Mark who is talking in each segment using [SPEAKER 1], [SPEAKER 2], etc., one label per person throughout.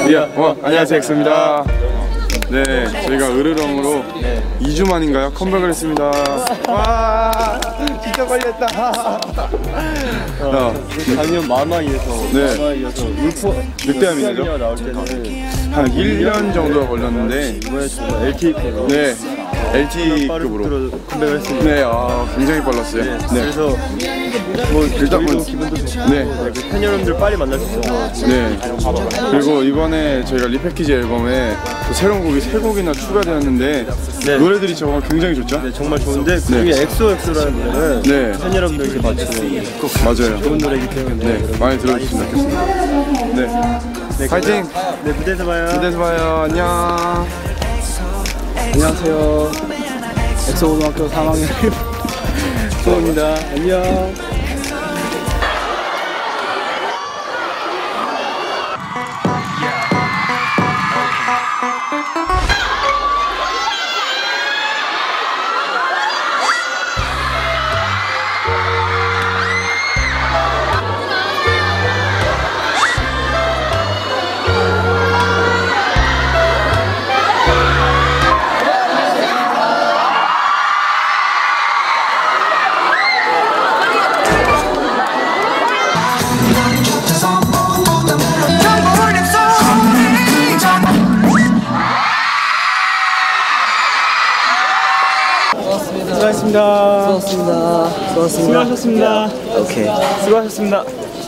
[SPEAKER 1] 안녕하세요, 엑소입니다. 네, 저희가 으르렁으로 2주 만인가요? 컴백을 했습니다. 와, 진짜 빨리 했다.
[SPEAKER 2] 작년 마마이에서
[SPEAKER 1] 늑대함이죠.
[SPEAKER 2] 나올 때는
[SPEAKER 1] 한 1년 정도가 걸렸는데
[SPEAKER 2] 이번에 정말 LTE급으로
[SPEAKER 1] LTE급으로
[SPEAKER 2] 컴백을 했습니다.
[SPEAKER 1] 네, 굉장히 빨랐어요. 네.
[SPEAKER 2] 그래서 뭐 일단 기분도 좋고 팬 여러분들 빨리 만날 수 있어서
[SPEAKER 1] 네. 그리고 이번에 저희가 리패키지 앨범에 또 새로운 곡이 3곡이나 추가되었는데 노래들이 정말 굉장히 좋죠?
[SPEAKER 2] 네, 정말 좋은데 그 중에 엑소엑소라는 노래는 팬 여러분들에게 바치는 꼭
[SPEAKER 1] 맞아요.
[SPEAKER 2] 좋은 노래이기 때문에
[SPEAKER 1] 많이 들어주시면 좋겠습니다. 네, 파이팅!
[SPEAKER 2] 네, 무대에서 봐요.
[SPEAKER 1] 무대에서 봐요. 안녕.
[SPEAKER 2] 안녕하세요. 엑소고등학교 3학년 소호입니다. 안녕. 수고하셨습니다. 오케이. 수고하셨습니다.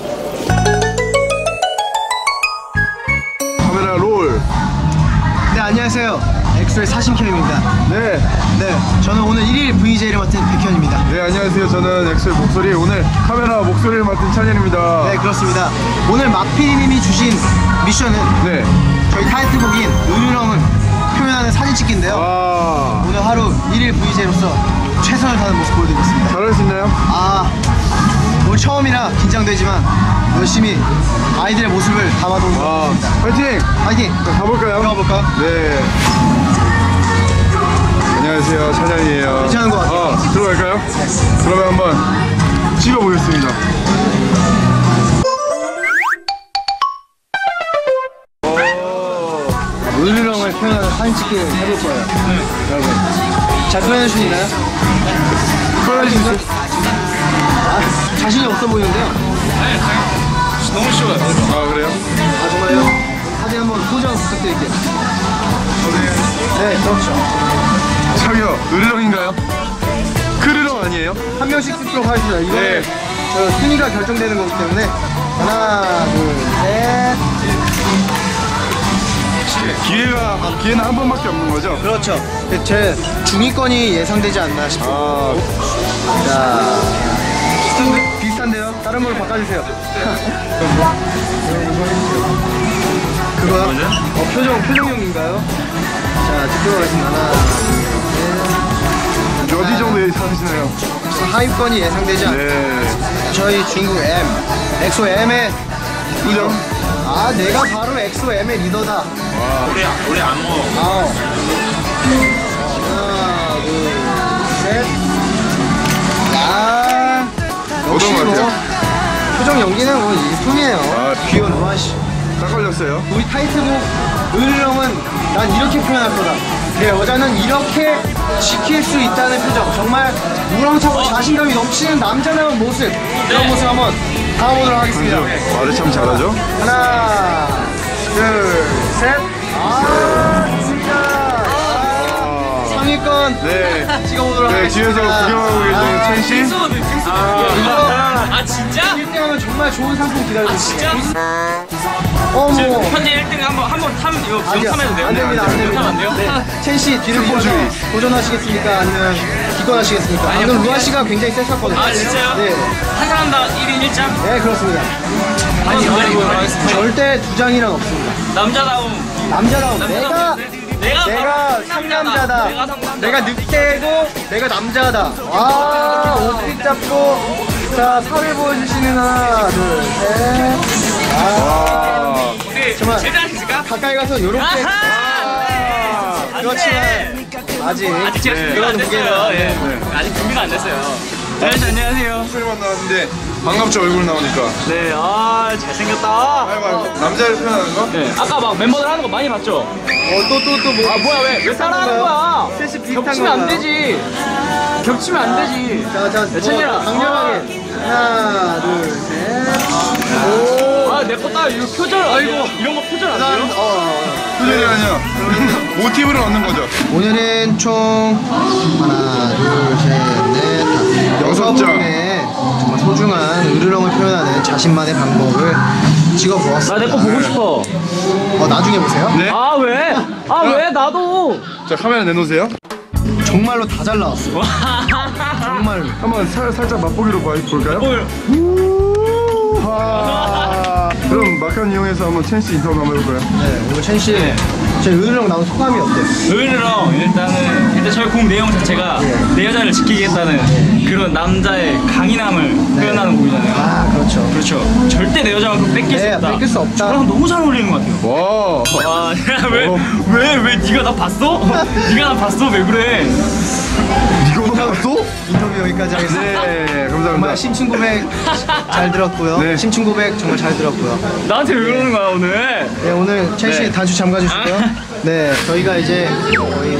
[SPEAKER 1] 카메라 롤.
[SPEAKER 3] 네, 안녕하세요. 엑소의 사심캠입니다.
[SPEAKER 1] 네,
[SPEAKER 3] 저는 오늘 1일 VJ를 맡은 백현입니다.
[SPEAKER 1] 네, 안녕하세요. 저는 엑소의 목소리, 오늘 카메라 목소리를 맡은 찬현입니다.
[SPEAKER 3] 네, 그렇습니다. 오늘 막피디님이 주신 미션은 저희 타이틀곡인 으르렁을 표현하는 사진 찍기인데요. 오늘 하루 1일 VJ로서 최선을 다하는 모습 보여드리겠습니다.
[SPEAKER 1] 잘할 수 있나요?
[SPEAKER 3] 오늘 처음이라 긴장되지만 열심히 아이들의 모습을 담아보는 것 같습니다.
[SPEAKER 1] 파이팅!
[SPEAKER 3] 파이팅!
[SPEAKER 1] 자, 가볼까요?
[SPEAKER 3] 가볼까요?
[SPEAKER 1] 네. 안녕하세요, 찬현이에요.
[SPEAKER 3] 괜찮은 것 같아요.
[SPEAKER 1] 들어갈까요? 그러면 한번 찍어보겠습니다.
[SPEAKER 3] 으르렁을 표현하는 사진 찍기를 해볼 거예요. 여러분, 잘 표현해 줄 수 있나요? 표현해 주세요. 자신이 없어 보이는데요?
[SPEAKER 1] 너무 쉬워요. 그래요?
[SPEAKER 3] 정말요? 사진 한번 포장 부탁드릴게요. 네, 그렇죠.
[SPEAKER 1] 저기요, 으르렁인가요? 크르렁 아니에요?
[SPEAKER 3] 한 명씩 찍도록 하겠습니다. 이거는 저 순위가 결정되는 거기 때문에 하나, 둘, 셋.
[SPEAKER 1] 기회는 한 번밖에 없는 거죠?
[SPEAKER 3] 그렇죠. 제 중위권이 예상되지 않나 싶어요. 자, 비슷한데요? 다른 걸로 바꿔주세요. 그거요? 표정용인가요? 자, 찍도록 하겠습니다. 하나, 둘, 셋.
[SPEAKER 1] 어디 정도 예상하시나요?
[SPEAKER 3] 하위권이 예상되지 않아요. 저희 중국 엑소 M의 리더. 내가 바로 엑소 M의 리더다.
[SPEAKER 4] 우리 안 먹어.
[SPEAKER 3] 하나, 둘, 셋.
[SPEAKER 1] 어떤 것 같아요?
[SPEAKER 3] 표정 연기는 뭐 일품이에요. 귀여운 와씨.
[SPEAKER 1] 딱 걸렸어요.
[SPEAKER 3] 우리 타이틀곡 으르렁은 난 이렇게 표현할 거다. 내 여자는 이렇게 지킬 수 있다는 표정. 정말 우렁차고 자신감이 넘치는 남자다운 모습. 그런 모습 한번 담아보도록 하겠습니다.
[SPEAKER 1] 말을 참 잘하죠?
[SPEAKER 3] 하나, 둘, 셋. 진짜. 상위권. 찍어보도록 하겠습니다.
[SPEAKER 1] 뒤에서 구경하고 계신 첸씨.
[SPEAKER 4] 진짜?
[SPEAKER 3] 1등하면 정말 좋은 상품 기다리고 있습니다.
[SPEAKER 4] 어머. 현재 1등 한번 타면 이거 타면 돼요?
[SPEAKER 3] 안 됩니다.
[SPEAKER 4] 안 돼요?
[SPEAKER 3] 첸씨 뒤를 보셔서 도전하시겠습니까? 아니면 기권하시겠습니까? 방금 루아씨가 굉장히 셌었거든요.
[SPEAKER 4] 진짜요?
[SPEAKER 3] 네.
[SPEAKER 4] 한 사람당 1인 1장?
[SPEAKER 3] 네, 그렇습니다. 절대 두 장이란 없습니다. 남자다움. 내가 상남자다. 내가 늑대고 내가 남자다. 와, 옷pit 잡고. 자, 살을 보여주시는 하나, 둘, 셋. 정말 가까이 가서 요렇게. 그렇지만 아직
[SPEAKER 4] 제가 준비가 안 됐어요. 아직 준비가 안 됐어요. 안녕하세요.
[SPEAKER 1] 목소리만 나왔는데 반갑죠, 얼굴 나오니까.
[SPEAKER 4] 네, 아 잘생겼다.
[SPEAKER 1] 아이고, 남자를 표현하는 거?
[SPEAKER 4] 네, 아까 막 멤버들 하는 거 많이 봤죠?
[SPEAKER 3] 또 뭐.
[SPEAKER 4] 아 뭐야 왜 따라하는 거야?
[SPEAKER 3] 셋이 비슷한
[SPEAKER 4] 겹치면 안
[SPEAKER 3] 건가요?
[SPEAKER 4] 되지. 겹치면 안 되지.
[SPEAKER 3] 자,
[SPEAKER 4] 찬열아.
[SPEAKER 3] 강렬하게. 하나, 둘, 셋.
[SPEAKER 4] 아 내 거 딱 이거 표절. 아이고 이런 거 표절 안 돼요?
[SPEAKER 1] 표절이 아니야. 모티브를 얻는 거죠.
[SPEAKER 3] 오늘은 총 하나, 둘, 셋, 넷, 다섯
[SPEAKER 1] 6장.
[SPEAKER 3] 분의 정말 소중한 으르렁을 표현하는 자신만의 방법을 찍어보았습니다.
[SPEAKER 4] 나 내 거 보고 싶어.
[SPEAKER 3] 나중에 보세요.
[SPEAKER 1] 네.
[SPEAKER 4] 아 왜? 아 왜 나도?
[SPEAKER 1] 자, 카메라 내놓으세요.
[SPEAKER 3] 정말로 다 잘 나왔어요. 정말로.
[SPEAKER 1] 한번 살짝 맛보기로 볼까요?
[SPEAKER 4] 뭘?
[SPEAKER 1] 그럼 막간 이용해서 한번 첸씨 인터뷰 한번 해볼까요?
[SPEAKER 3] 네, 오늘 첸씨, 제 으르렁 나온 소감이 어때요?
[SPEAKER 4] 으르렁 일단 저희 곡 내용 자체가 내 여자를 지키겠다는 그런 남자의 강인함을 표현하는 곡이잖아요.
[SPEAKER 3] 아, 그렇죠.
[SPEAKER 4] 그렇죠. 절대 내 여자만큼 뺏길 수
[SPEAKER 3] 네,
[SPEAKER 4] 없다.
[SPEAKER 3] 뺏길 수 없다.
[SPEAKER 4] 저랑 너무 잘 어울리는 것 같아요.
[SPEAKER 1] 와.
[SPEAKER 4] 와, 왜 네가 나 봤어? 네가 나 봤어? 왜 그래?
[SPEAKER 1] 이거 봤어?
[SPEAKER 3] 인터뷰 여기까지 하겠습니다.
[SPEAKER 1] 네,
[SPEAKER 3] 정말
[SPEAKER 1] 감사합니다.
[SPEAKER 3] 심층 고백 잘 들었고요.
[SPEAKER 1] 네.
[SPEAKER 3] 심층 고백 정말 잘 들었고요.
[SPEAKER 4] 나한테 왜 그러는 거야 오늘?
[SPEAKER 3] 네, 오늘 첼시
[SPEAKER 4] 네.
[SPEAKER 3] 단추 잠가주시고요. 네, 저희가 이제 거의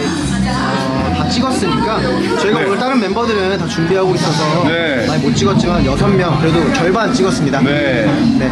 [SPEAKER 3] 다 찍었으니까 저희가
[SPEAKER 1] 네.
[SPEAKER 3] 오늘 다른 멤버들은 다 준비하고 있어서
[SPEAKER 1] 네.
[SPEAKER 3] 많이 못 찍었지만 6명 그래도 절반 찍었습니다.
[SPEAKER 1] 네.
[SPEAKER 3] 네.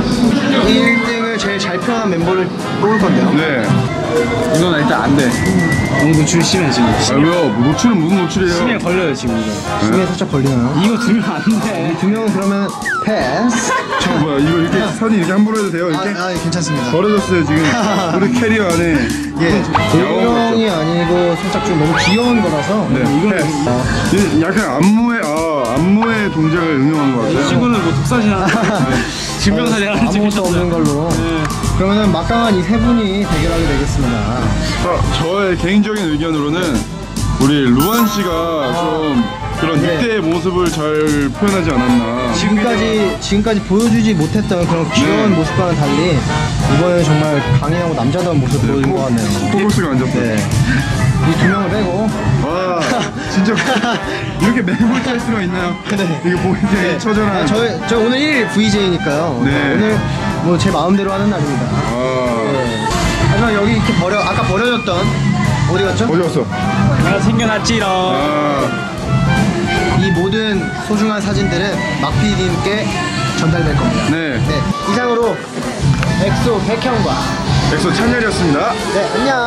[SPEAKER 3] 1등을 제일 잘 표현한 멤버를 뽑을 건데요.
[SPEAKER 1] 네.
[SPEAKER 4] 이건 일단 안 돼. 너무 노출 심해 지금.
[SPEAKER 1] 왜요? 노출은 무슨 노출이에요?
[SPEAKER 4] 심해 걸려요 지금 이거.
[SPEAKER 3] 중에 살짝 걸리나요?
[SPEAKER 4] 이거 들면 안 돼.
[SPEAKER 3] 두 명은 그러면 패스.
[SPEAKER 1] 저 뭐야, 이거 이렇게 사진 이렇게 함부로 해도 돼요? 이렇게?
[SPEAKER 3] 괜찮습니다.
[SPEAKER 1] 버려졌어요, 지금. 우리 캐리어 안에.
[SPEAKER 3] 예, 조명이 아니고 살짝 좀 너무 귀여운 거라서
[SPEAKER 1] 네. 이거는 약간 안무의 동작을 응용한 것 같아요.
[SPEAKER 4] 친구는 뭐 독사진 하나, 증명사진 하나
[SPEAKER 3] 아무것도 없는
[SPEAKER 4] 찍으셨어요.
[SPEAKER 3] 걸로. 그러면은 막강한 이 세 분이 대결하게 되겠습니다.
[SPEAKER 1] 저의 개인적인 의견으로는 우리 루안 씨가 좀 그런
[SPEAKER 3] 네.
[SPEAKER 1] 늑대의 모습을 잘 표현하지 않았나.
[SPEAKER 3] 지금까지 보여주지 못했던 그런 귀여운
[SPEAKER 1] 네.
[SPEAKER 3] 모습과는 달리 이번에는 정말 강인하고 남자다운 모습 보여준 것 같네요.
[SPEAKER 1] 포커스가 안 잡혀요.
[SPEAKER 3] 네. 이 두 명을 빼고.
[SPEAKER 1] 와, 진짜 이렇게 매몰 탈 수가 있나요?
[SPEAKER 3] 네.
[SPEAKER 1] 이거 보이게 처절한.
[SPEAKER 3] 저 오늘 1일 VJ니까요.
[SPEAKER 1] 네.
[SPEAKER 3] 오늘 뭐 제 마음대로 하는 날입니다.
[SPEAKER 1] 아,
[SPEAKER 3] 네. 하지만 여기 이렇게 아까 버려졌던 어디 갔죠?
[SPEAKER 1] 어디 갔어?
[SPEAKER 4] 내가 챙겨놨지롱.
[SPEAKER 1] 아,
[SPEAKER 3] 이 모든 소중한 사진들은 막PD님께 전달될 겁니다.
[SPEAKER 1] 네.
[SPEAKER 3] 네. 이상으로 엑소 백형과
[SPEAKER 1] 엑소 찬열이었습니다.
[SPEAKER 3] 네, 안녕.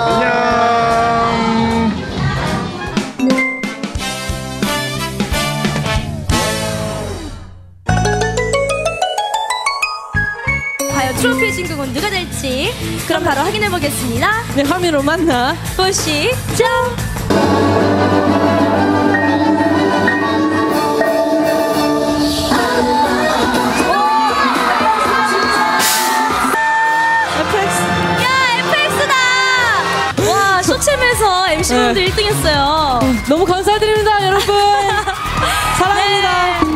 [SPEAKER 1] 안녕.
[SPEAKER 5] 과연 트로피 진국은 누가 될지 그럼 바로 확인해 보겠습니다.
[SPEAKER 6] 네, 화면으로 만나.
[SPEAKER 5] 보시죠.
[SPEAKER 6] FX.
[SPEAKER 5] 야, FX다. 와, 쇼챔에서 MC분들 1등 했어요.
[SPEAKER 6] 너무 감사드립니다, 여러분. 사랑합니다.
[SPEAKER 5] 네.